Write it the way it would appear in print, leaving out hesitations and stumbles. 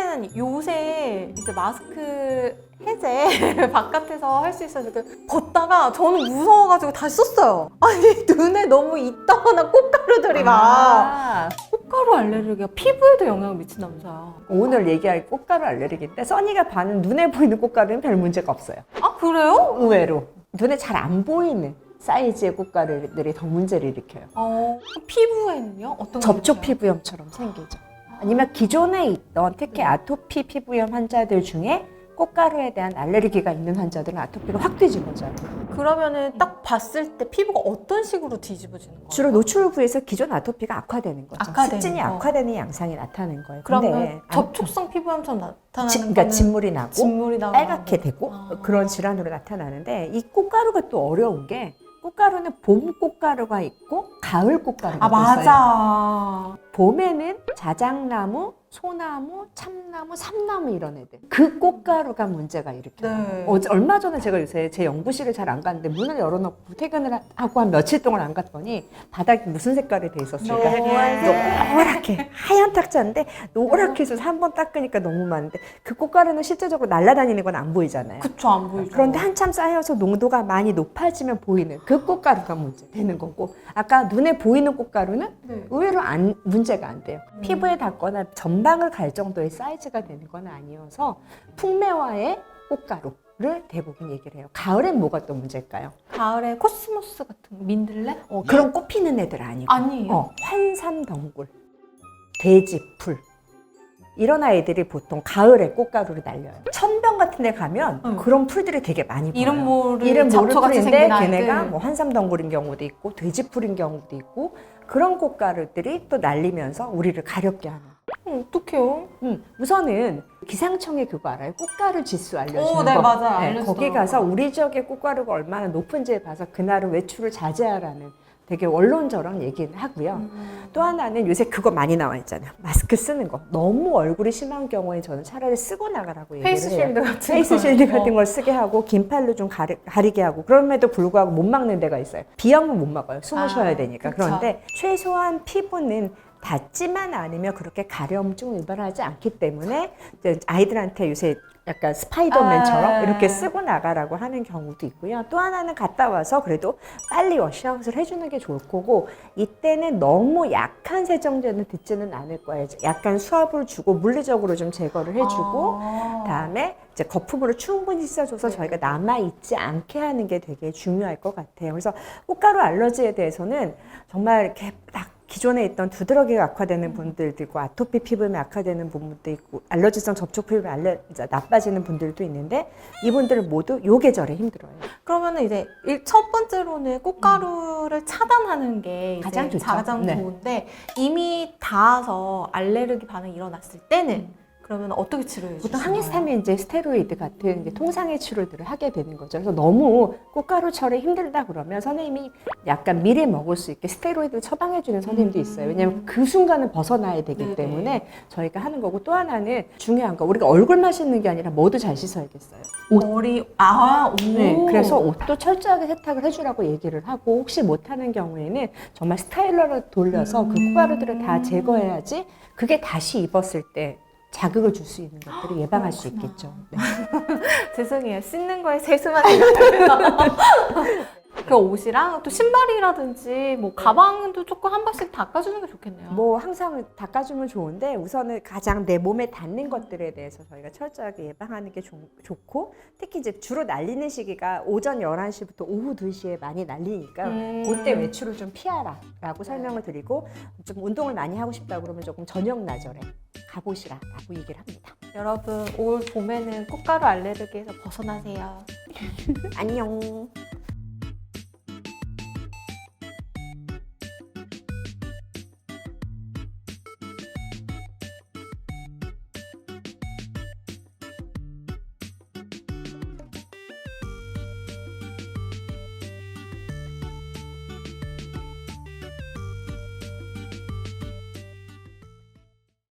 사실은 요새 이제 마스크 해제 바깥에서 할 수 있어서 벗다가 저는 무서워가지고 다시 썼어요. 아니 눈에 너무 있다거나 꽃가루들이 막 꽃가루 알레르기가 피부에도 영향을 미친다면서요. 오늘 얘기할 꽃가루 알레르기인데 써니가 봐는 눈에 보이는 꽃가루는 별 문제가 없어요. 아 그래요? 의외로 눈에 잘 안 보이는 사이즈의 꽃가루들이 더 문제를 일으켜요. 피부에는요? 어떤 접촉 게 있어요? 피부염처럼 생기죠. 아니면 기존에 있던 특히 아토피 피부염 환자들 중에 꽃가루에 대한 알레르기가 있는 환자들은 아토피가 확 뒤집어져요. 그러면은 딱 봤을 때 피부가 어떤 식으로 뒤집어지는 거예요? 주로 노출 부위에서 기존 아토피가 악화되는 거죠. 악화되는 습진이 거. 악화되는 양상이 나타나는 거예요. 그러면 근데 접촉성 피부염처럼 나타나는 그러니까 거는 진물이 나고 진물이 나고 빨갛게 되고 아. 그런 질환으로 나타나는데 이 꽃가루가 또 어려운 게 꽃가루는 봄 꽃가루가 있고 가을 꽃가루가 있어요. 맞아. 봄에는 자작나무, 소나무, 참나무, 삼나무 이런 애들. 그 꽃가루가 문제가 일으켜요. 네. 얼마 전에 제가 요새 제 연구실을 잘 안 갔는데 문을 열어놓고 퇴근을 하고 한 며칠 동안 안 갔더니 바닥이 무슨 색깔이 돼 있었을까? 노랗게 하얀 탁자인데 노랗게 해서 한 번 닦으니까 너무 많은데 그 꽃가루는 실제적으로 날아다니는 건 안 보이잖아요. 그쵸, 안 보이죠. 그런데 한참 쌓여서 농도가 많이 높아지면 보이는 그 꽃가루가 문제 되는 거고 아까 눈에 보이는 꽃가루는 네. 의외로 문제가 안 돼요. 피부에 닿거나 전방을 갈 정도의 사이즈가 되는 건 아니어서 풍매화의 꽃가루를 대부분 얘기를 해요. 가을엔 뭐가 또 문제일까요? 가을에 코스모스 같은 거, 민들레? 그런 꽃 피는 애들 아니고 아니에요. 환삼덩굴, 돼지풀 이런 아이들이 보통 가을에 꽃가루를 날려요. 천병 같은 데 가면 그런 풀들이 되게 많이 보여요. 이름 모를 모를 잡초같이 풀인데 생긴 아이들. 걔네가 뭐 환삼덩굴인 경우도 있고 돼지풀인 경우도 있고 그런 꽃가루들이 또 날리면서 우리를 가렵게 하는. 어떡해요? 우선은 기상청에 그거 알아요? 꽃가루 지수 알려주는 네, 거. 맞아요. 네, 알려주더라고요. 거기 가서 우리 지역의 꽃가루가 얼마나 높은지를 봐서 그날은 외출을 자제하라는 되게 원론적인 얘기는 하고요. 또 하나는 요새 그거 많이 나와 있잖아요. 마스크 쓰는 거. 너무 얼굴이 심한 경우에 저는 차라리 쓰고 나가라고 얘기를 페이스 해요. 쉴드 같은 페이스 거. 쉴드 같은 걸 쓰게 하고 긴 팔로 좀 가리게 하고 그럼에도 불구하고 못 막는 데가 있어요. 비염은 못 막아요. 숨을 쉬어야 되니까. 그쵸. 그런데 최소한 피부는 닿지만 않으면 그렇게 가려움증 유발하지 않기 때문에 이제 아이들한테 요새 약간 스파이더맨처럼 이렇게 쓰고 나가라고 하는 경우도 있고요. 또 하나는 갔다 와서 그래도 빨리 워시아웃을 해주는 게 좋을 거고 이때는 너무 약한 세정제는 듣지는 않을 거예요. 약간 수압을 주고 물리적으로 좀 제거를 해주고 다음에 이제 거품으로 충분히 씻어줘서 저희가 남아있지 않게 하는 게 되게 중요할 것 같아요. 그래서 꽃가루 알러지에 대해서는 정말 이렇게 딱 기존에 있던 두드러기가 악화되는 분들도 있고 아토피 피부염이 악화되는 분들도 있고 알러지성 접촉 피부염이 나빠지는 분들도 있는데 이분들은 모두 요 계절에 힘들어요. 그러면은 이제 첫 번째로는 꽃가루를 차단하는 게 가장 이제 좋죠. 가장 네. 좋은데 이미 닿아서 알레르기 반응이 일어났을 때는 그러면 어떻게 치료해 주시나요? 보통 항히스타민 이제 스테로이드 같은 이제 통상의 치료들을 하게 되는 거죠. 그래서 너무 꽃가루철에 힘들다 그러면 선생님이 약간 미리 먹을 수 있게 스테로이드를 처방해 주는 선생님도 있어요. 왜냐하면 그 순간은 벗어나야 되기 네네. 때문에 저희가 하는 거고 또 하나는 중요한 거 우리가 얼굴만 씻는 게 아니라 뭐도 잘 씻어야겠어요. 머리 네, 그래서 옷도 철저하게 세탁을 해주라고 얘기를 하고 혹시 못하는 경우에는 정말 스타일러를 돌려서 그 꽃가루들을 다 제거해야지 그게 다시 입었을 때 자극을 줄 수 있는 것들을 예방할 수 있겠죠. 네. 죄송해요. 씻는 거에 세수만 생각해요. 그 옷이랑 또 신발이라든지 뭐 가방도 조금 한 번씩 닦아주는 게 좋겠네요. 뭐 항상 닦아주면 좋은데 우선은 가장 내 몸에 닿는 것들에 대해서 저희가 철저하게 예방하는 게 좋고 특히 이제 주로 날리는 시기가 오전 11시부터 오후 2시에 많이 날리니까 그때 외출을 좀 피하라 라고 설명을 드리고 좀 운동을 많이 하고 싶다 그러면 조금 저녁 나절에 가보시라 라고 얘기를 합니다. 여러분 올 봄에는 꽃가루 알레르기에서 벗어나세요. 안녕.